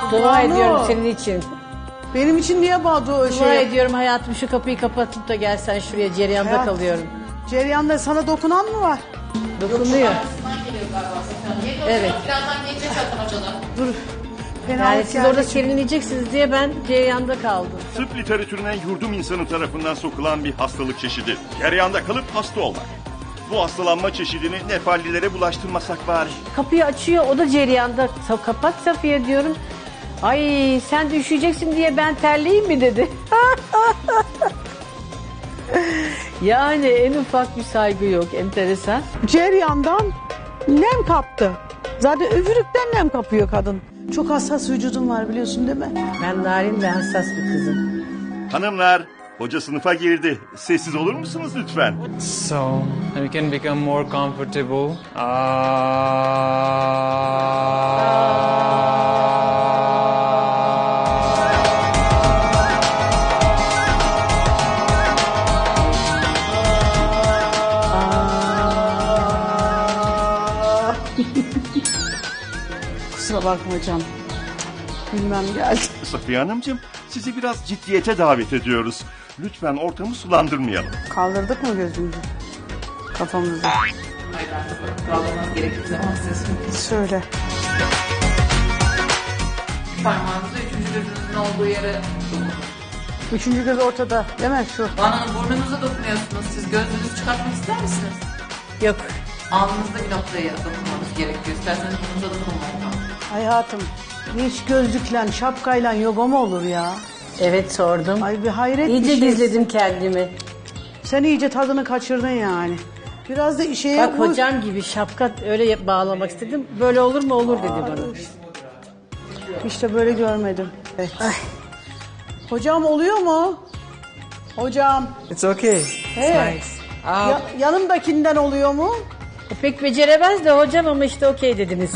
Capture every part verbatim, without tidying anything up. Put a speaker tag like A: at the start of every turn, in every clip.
A: Dua
B: Banu.
A: ediyorum senin için.
B: Benim için niye Badu
A: Dua
B: şey?
A: ediyorum hayatım, şu kapıyı kapatıp da gelsen şuraya, cereyanda
B: Hayat-
A: kalıyorum.
B: Cereyan'da sana dokunan mı var?
A: Dokunuyor. Evet.
C: Birazdan gelecek zaten hocalar.
B: Dur. Fenalık
A: Yani siz
B: geldi
A: orada
B: çünkü.
A: serinleyeceksiniz diye ben cereyanda kaldım.
D: Tıp literatürüne yurdum insanı tarafından sokulan bir hastalık çeşidi. Cereyanda kalıp hasta olmak. Bu hastalanma çeşidini Nepallilere bulaştırmasak bari.
A: Kapıyı açıyor, o da cereyanda. Sa- Kapat Safiye diyorum. Ay sen de üşüyeceksin diye ben terleyeyim mi dedi. Yani en ufak bir saygı yok, enteresan.
B: Ceryan'dan nem kaptı. Zaten üfürükten nem kapıyor kadın. Çok hassas vücudun var biliyorsun değil mi?
A: Ben narin ve hassas bir kızım.
D: Hanımlar, hoca sınıfa girdi. Sessiz olur musunuz lütfen?
E: So we can become more comfortable.
B: Kusura bakma hocam. Bilmem geldi.
D: Safiye Hanımcığım, sizi biraz ciddiyete davet ediyoruz. Lütfen ortamı sulandırmayalım.
B: Kaldırdık mı gözümüzü? Kafamızı.
C: Kaldırmanız gerektiği zaman siz
B: Söyle.
C: parmağınızı üçüncü gözünüzün olduğu yere dokunun.
B: Üçüncü göz ortada değil mi şu?
C: Bana burnunuza dokunuyorsunuz. Siz gözünüzü çıkartmak ister misiniz?
A: Yok.
C: Alnınızda bir noktaya dokunmanız gerekiyor. İsterseniz burnunuza dokunmayın.
B: Hayatım hiç gözlükle şapkayla yoga mı olur ya?
A: Evet sordum.
B: Ay bir hayret
A: İyice
B: bir şey.
A: gizledim kendimi.
B: Sen iyice tadını kaçırdın yani. Biraz da işe
A: Bak hocam gibi şapka öyle yap- bağlamak istedim. Böyle olur mu olur dedi bana.
B: İşte böyle görmedim. Ay. Hocam oluyor mu? Hocam.
E: It's okay.
B: He. Ya- yanımdakinden oluyor mu?
A: E, pek beceremez de hocam ama işte okey dediniz.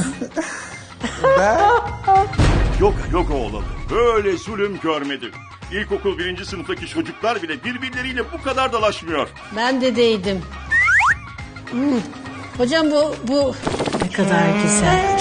D: Yoga yoga olalı. Böyle zulüm görmedim. İlkokul birinci sınıftaki çocuklar bile birbirleriyle bu kadar dalaşmıyor.
A: Ben de değdim. Hmm. Hocam bu bu ne kadar güzel.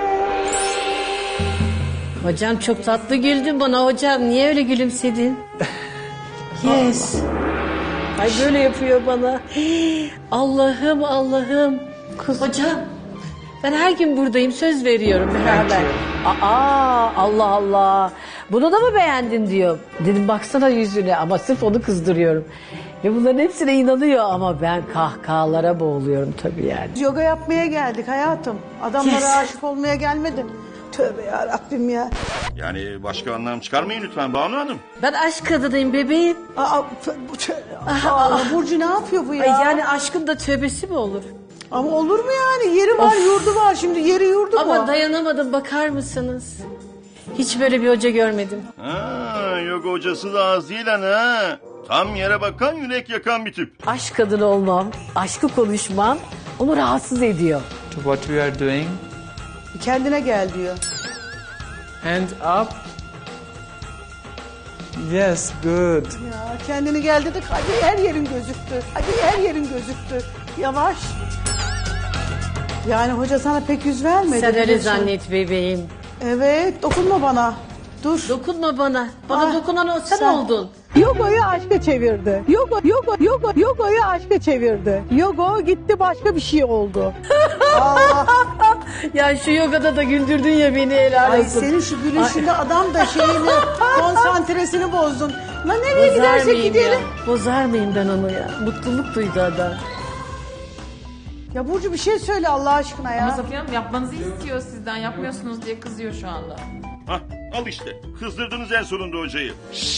A: Hocam çok tatlı güldün bana hocam. Niye öyle gülümsedin? Yes. Ay böyle yapıyor bana. Allah'ım Allah'ım. Hocam ben her gün buradayım, söz veriyorum beraber. Aa Allah Allah. Bunu da mı beğendin diyor. Dedim baksana yüzüne ama sırf onu kızdırıyorum. Ve bunların hepsine inanıyor ama ben kahkahalara boğuluyorum tabii yani.
B: Yoga yapmaya geldik hayatım. Adamlara
A: Yes.
B: aşık olmaya gelmedim. Tövbe ya Rabbim ya.
D: Yani başka anlam çıkarmayın lütfen Banu Hanım.
A: Ben aşk kadınıyım bebeğim.
B: Aa, f- bu tö- Aa, Burcu ne yapıyor bu ya?
A: Ay yani aşkın da tövbesi mi olur?
B: Ama olur mu yani? Yeri var, yurdu var. Şimdi yeri yurdu
A: Ama
B: mu?
A: dayanamadım, bakar mısınız? Hiç böyle bir hoca görmedim.
D: Ha, yoga hocası da az değil ha. Tam yere bakan yürek yakan bir tip.
A: Aşk kadını olmam, aşkı konuşmam onu rahatsız ediyor.
E: To what we are doing.
B: Kendine gel diyor.
E: Hand up. Yes, good.
B: Ya kendini gel dedik. Hadi her yerin gözüktü. Hadi her yerin gözüktü. Yavaş. Yani hoca sana pek yüz vermedi.
A: Sen öyle
B: biliyorsun.
A: zannet bebeğim.
B: Evet, dokunma bana. Dur.
A: Dokunma bana. Bana
B: Ah,
A: dokunan o sen,
B: sen-
A: oldun.
B: Yoga'yı aşka çevirdi. Yoga, yoga, yoga, yoga'yı aşka çevirdi. Yoga gitti başka bir şey oldu. Aa,
A: Ya şu yogada da güldürdün ya beni, helal
B: ay
A: olsun.
B: senin şu gülüşünde adam da şeyini, konsantresini bozdun. Lan nereye
A: Bozar
B: gidersek
A: mıyım
B: gidelim.
A: ya? Bozar mıyım ben onu ya? Mutluluk duydu adam.
B: Ya Burcu bir şey söyle Allah aşkına
C: Ama
B: ya.
C: Safiye Hanım yapmanızı istiyor sizden. Yapmıyorsunuz diye kızıyor şu anda.
D: Hah, al işte. Kızdırdınız en sonunda hocayı.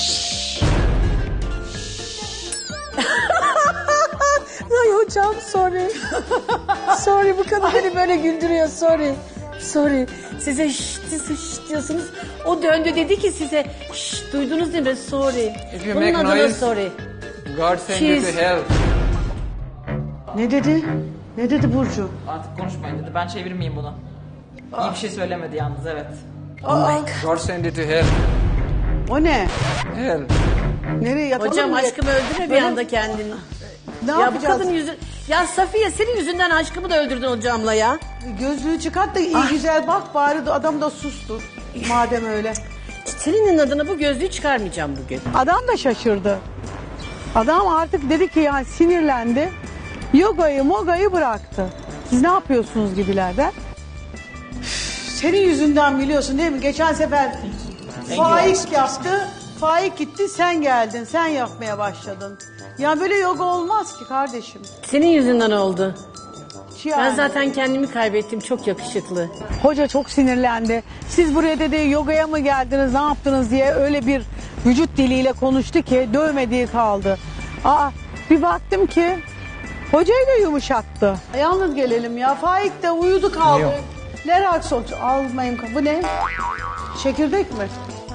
A: Ay hocam sorry. Sorry, bu kadın beni böyle güldürüyor, sorry. Sorry. Size şşt, siz şşt diyorsunuz. O döndü dedi ki size şşt, duydunuz değil mi? Sorry.
E: If you
A: Bunun
E: make
A: adına
E: noise-
A: sorry.
E: God send you
A: She's-
E: to hell.
B: Ne dedi? Ne dedi Burcu?
C: Artık konuşmayın dedi. Ben çevirmeyeyim bunu. İyi bir şey söylemedi yalnız, evet.
E: God send you to hell.
B: O ne?
E: Hell.
B: Nereye yatalım
A: Hocam
B: mı?
A: aşkımı öldürme bir
B: Böyle-
A: anda kendini.
B: Ne
A: Ya bu
B: yapacağız?
A: kadın yüzü... Ya Safiye senin yüzünden aşkımı da öldürdün hocamla ya.
B: Gözlüğü çıkart da iyi
A: Ah.
B: güzel bak bari de adam da sustur. madem öyle.
A: Selin'in adına bu gözlüğü çıkarmayacağım bugün.
B: Adam da şaşırdı. Adam artık dedi ki yani sinirlendi. Yogayı mogayı bıraktı. Siz ne yapıyorsunuz gibilerden? Senin yüzünden biliyorsun değil mi? Geçen sefer Faik yaptı. Faik gitti, sen geldin. Sen yapmaya başladın. Ya böyle yoga olmaz ki kardeşim.
A: Senin yüzünden oldu.
B: Yani.
A: Ben zaten kendimi kaybettim. Çok yakışıklı.
B: Hoca çok sinirlendi. Siz buraya dedi yogaya mı geldiniz, ne yaptınız diye öyle bir vücut diliyle konuştu ki dövmediği kaldı. Aa, bir baktım ki hocayı da yumuşattı. Yalnız gelelim ya. Faik de uyudu kaldı.
E: Yok.
B: Leraxol almayayım. Bu ne? Çekirdek mi?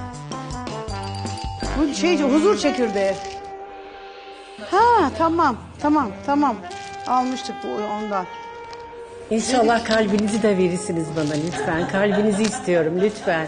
B: Bu şey huzur çekirdeği. Ha tamam tamam tamam. Almıştık bu ondan.
A: İnşallah kalbinizi de verirsiniz bana lütfen. Kalbinizi istiyorum lütfen.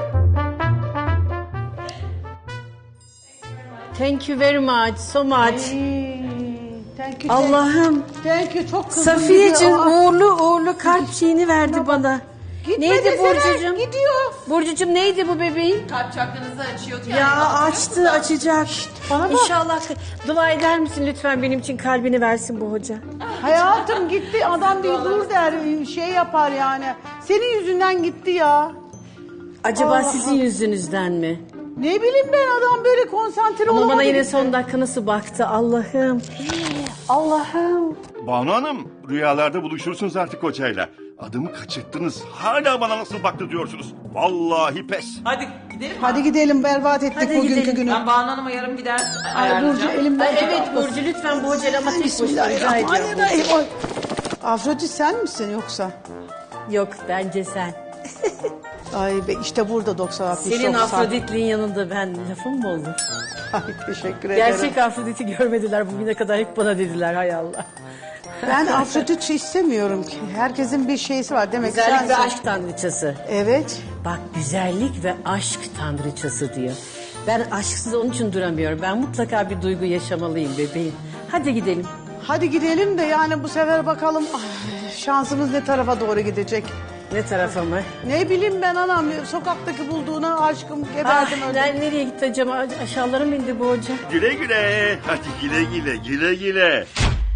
A: Thank you very much, so much.
B: Thank you.
A: Allah'ım.
B: Thank you. Çok kızdım.
A: Safiyeciğim
B: Aa,
A: uğurlu uğurlu kalp şeyini verdi bana.
B: gitme
A: Neydi
B: desene,
A: Burcucuğum?
B: Gidiyor.
A: Burcucuğum neydi bu bebeğin?
C: Kalp çakranızı açıyor.
A: Ya açtı açacak.
B: bana bak.
A: İnşallah dua eder misin lütfen benim için kalbini versin bu hoca.
B: Hayatım gitti. Adam diyor dur der. Şey yapar yani. Senin yüzünden gitti ya.
A: Acaba
B: Allah
A: sizin
B: Allah.
A: yüzünüzden mi?
B: Ne bileyim ben adam böyle konsantre
A: Ama
B: olamadı.
A: bana yine
B: gitti.
A: son dakika nasıl baktı Allah'ım. Allah'ım.
D: Banu Hanım, rüyalarda buluşursunuz artık hocayla. Adımı kaçırttınız. Hala bana nasıl baktı diyorsunuz. Vallahi pes.
C: Hadi gidelim mi?
B: Hadi gidelim berbat ettik
A: Hadi
B: bugünkü
A: gidelim.
B: günü.
C: Ben Banu Hanım'a yarım gider
B: Ay Burcu
C: ayarlayacağım.
B: elimden.
A: Ay, evet Burcu lütfen bu hocayla ama tek başına rica ediyorum.
B: Bismillahirrahmanirrahim. Ay. Afrodit sen misin yoksa?
A: Yok bence sen.
B: Ay be işte burada doksan altmış.
A: Senin
B: doksan.
A: Afrodit'liğin yanında ben lafım mı olur?
B: Ay teşekkür ederim.
A: Gerçek Afrodit'i görmediler bugüne kadar hep bana dediler hay Allah.
B: Ben Afrodit istemiyorum ki. Herkesin bir şeysi var demek ki
A: Güzellik ve
B: sensin.
A: aşk tanrıçası.
B: Evet.
A: Bak güzellik ve aşk tanrıçası diyor. Ben aşksız onun için duramıyorum. Ben mutlaka bir duygu yaşamalıyım bebeğim. Hadi gidelim.
B: Hadi gidelim de yani bu sefer bakalım ay, şansımız ne tarafa doğru gidecek.
A: Ne tarafa mı?
B: Ne bileyim ben anam sokaktaki bulduğuna aşkım
A: Ah,
B: geberdim öldüm.
A: ben nereye gitti acaba? Aşağılara mı indi bu hoca?
D: Güle güle. Hadi güle güle, güle güle.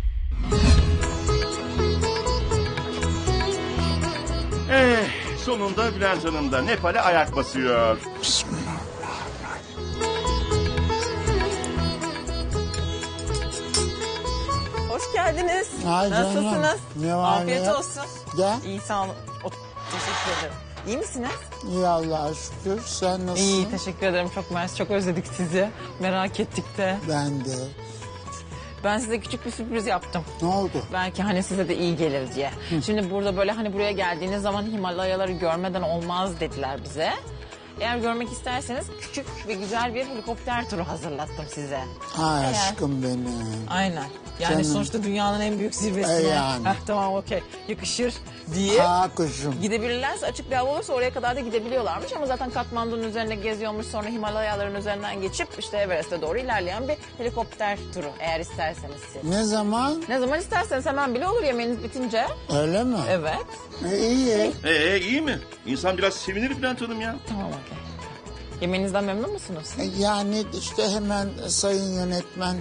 D: Eh, sonunda Bülent Hanım da Nepal'e ayak basıyor.
F: Hoş geldiniz.
G: Ay canım,
F: Nasılsınız?
G: ne var
F: Afiyet
G: ne yok?
F: olsun.
G: Gel.
F: İyi sağ olun. O- teşekkür ederim. İyi misiniz?
G: İyi Allah'a şükür. Sen nasılsın?
F: İyi teşekkür ederim. Çok mersi. Çok özledik sizi. Merak ettik de.
G: Ben de.
F: Ben size küçük bir sürpriz yaptım.
G: Ne oldu?
F: Belki hani size de iyi gelir diye. Şimdi burada böyle hani buraya geldiğiniz zaman Himalayaları görmeden olmaz dediler bize. Eğer görmek isterseniz küçük ve güzel bir helikopter turu hazırlattım size.
G: Ay
F: Eğer-
G: aşkım benim.
F: Aynen. Yani
G: Canım.
F: sonuçta dünyanın en büyük zirvesine.
G: E yani.
F: Heh, tamam okey. Yakışır diye.
G: Ha kuşum.
F: Gidebilirlerse açık bir hava olursa oraya kadar da gidebiliyorlarmış ama zaten Katmandu'nun üzerine geziyormuş, sonra Himalayaların üzerinden geçip işte Everest'e doğru ilerleyen bir helikopter turu eğer isterseniz siz.
G: Ne zaman?
F: Ne zaman isterseniz hemen bile olur yemeğiniz bitince.
G: Öyle mi?
F: Evet.
G: E, iyi.
D: Ee iyi mi? İnsan biraz sevinir Bülent Hanım ya.
F: Tamam okey. Yemeğinizden memnun musunuz?
G: E, yani işte hemen sayın yönetmen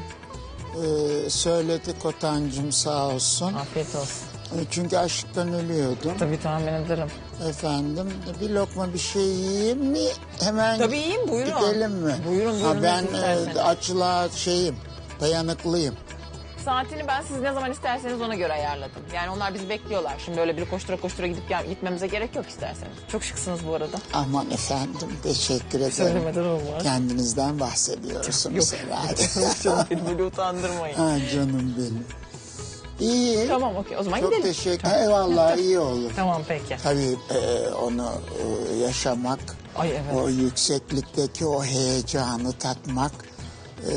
G: e, söyledi Kotancığım sağ olsun.
F: Afiyet olsun.
G: E, çünkü açlıktan ölüyordum.
F: Tabii tahmin ederim.
G: Efendim bir lokma bir şey yiyeyim mi? Hemen
F: Tabii yiyin, buyurun.
G: gidelim mi?
F: Buyurun, buyurun,
G: Ha, ben
F: nasıl
G: e,
F: isterseniz.
G: açlığa şeyim dayanıklıyım.
F: Saatini ben siz ne zaman isterseniz ona göre ayarladım. Yani onlar bizi bekliyorlar. Şimdi öyle bir koştura koştura gidip gel- gitmemize gerek yok isterseniz. Çok şıksınız bu arada.
G: Aman efendim teşekkür ederim.
F: Söylemeden olmaz.
G: Kendinizden bahsediyorsunuz herhalde.
F: Canım beni böyle utandırmayın.
G: Ha, canım benim. İyi.
F: Tamam okey o zaman
G: Çok
F: gidelim.
G: teşekkür Eyvallah iyi olur.
F: Tamam peki.
G: Tabii e, onu e, yaşamak,
F: Ay evet.
G: o yükseklikteki o heyecanı tatmak e,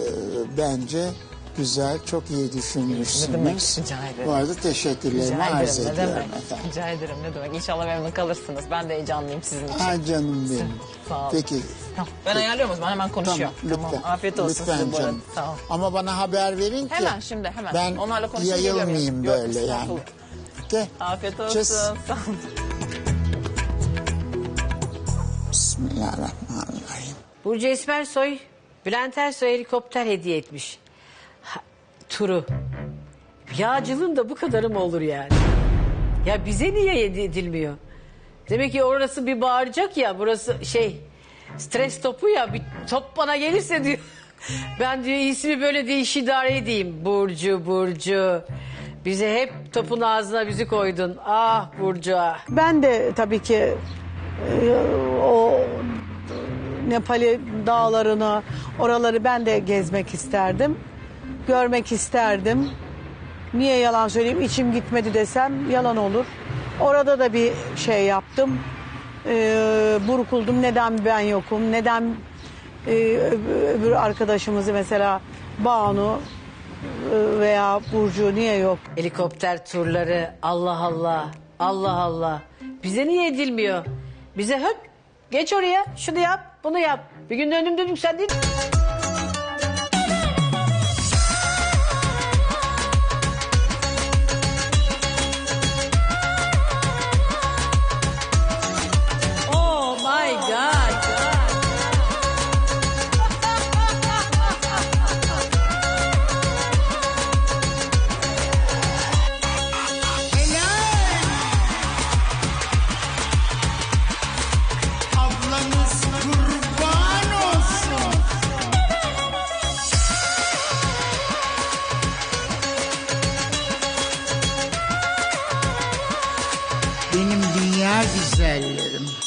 G: bence güzel, çok iyi düşünmüşsünüz.
F: Ne demek, rica ederim.
G: Bu arada teşekkürlerimi
F: Rica
G: arz
F: ederim ne
G: ediyorum
F: demek.
G: efendim.
F: Rica ederim ne demek. İnşallah memnun kalırsınız. Ben de heyecanlıyım sizin için.
G: Ha canım benim.
F: Sağ olun.
G: Peki.
F: Tamam. Ben ayarlıyorum o zaman hemen konuşuyorum.
G: Tamam, lütfen.
F: Afiyet olsun
G: Lütfen
F: size bu arada.
G: canım.
F: Sağ olun.
G: Ama bana haber verin ki.
F: Hemen şimdi hemen.
G: Ben
F: Onlarla konuşup geliyorum.
G: yayılmayayım
F: Yok,
G: böyle yani.
F: estağfurullah.
G: Okey.
F: Afiyet olsun.
G: Çöz.
F: Sağ olun.
G: Bismillahirrahmanirrahim.
A: Burcu Esmersoy, Bülent Ersoy helikopter hediye etmiş. Ha, turu. Yağcılığın da bu kadarı mı olur yani? Ya bize niye hediye edilmiyor? Demek ki orası bir bağıracak ya, burası şey stres topu ya, bir top bana gelirse diyor. Ben diyor ismi böyle değiş idare edeyim. Burcu, Burcu. Bize hep topun ağzına bizi koydun. Ah Burcu ah.
B: Ben de tabii ki e, o Nepali dağlarını, oraları ben de gezmek isterdim. Görmek isterdim. Niye yalan söyleyeyim, içim gitmedi desem yalan olur. Orada da bir şey yaptım. Ee, burkuldum. Neden ben yokum? Neden e, öbür arkadaşımızı mesela Banu e, veya Burcu niye yok?
A: Helikopter turları Allah Allah. Allah Allah. Bize niye edilmiyor? Bize höp geç oraya şunu yap bunu yap. Bir gün döndüm dedim sen değil. Oh my God.
G: Ablanız kurban olsun. Benim dünya güzellerim.